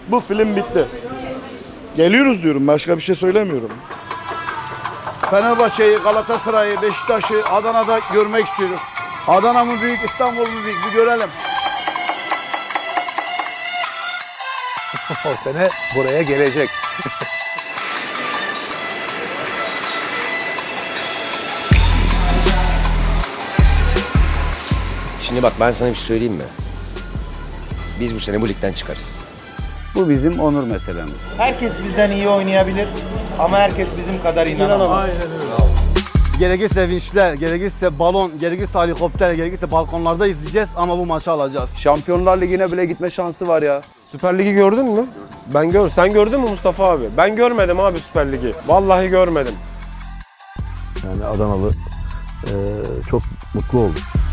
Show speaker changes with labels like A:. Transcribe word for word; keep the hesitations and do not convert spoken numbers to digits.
A: Bu film bitti. Geliyoruz diyorum. Başka bir şey söylemiyorum. Fenerbahçe'yi, Galatasaray'ı, Beşiktaş'ı Adana'da görmek istiyorum. Adana mı büyük, İstanbul mu büyük bir görelim.
B: O sene buraya gelecek.
C: Şimdi bak ben sana bir şey söyleyeyim mi? Biz bu sene bu ligden çıkarız.
D: Bu bizim onur meselemiz.
E: Herkes bizden iyi oynayabilir ama herkes bizim kadar inanamaz.
F: Gerekirse vinçler, gerekirse balon, gerekirse helikopter, gerekirse balkonlarda izleyeceğiz ama bu maçı alacağız.
G: Şampiyonlar Ligi'ne bile gitme şansı var ya. Süper Lig'i gördün mü? Ben gör. Sen gördün mü Mustafa abi? Ben görmedim abi Süper Lig'i. Vallahi görmedim.
H: Yani Adanalı eee, çok mutlu oldu.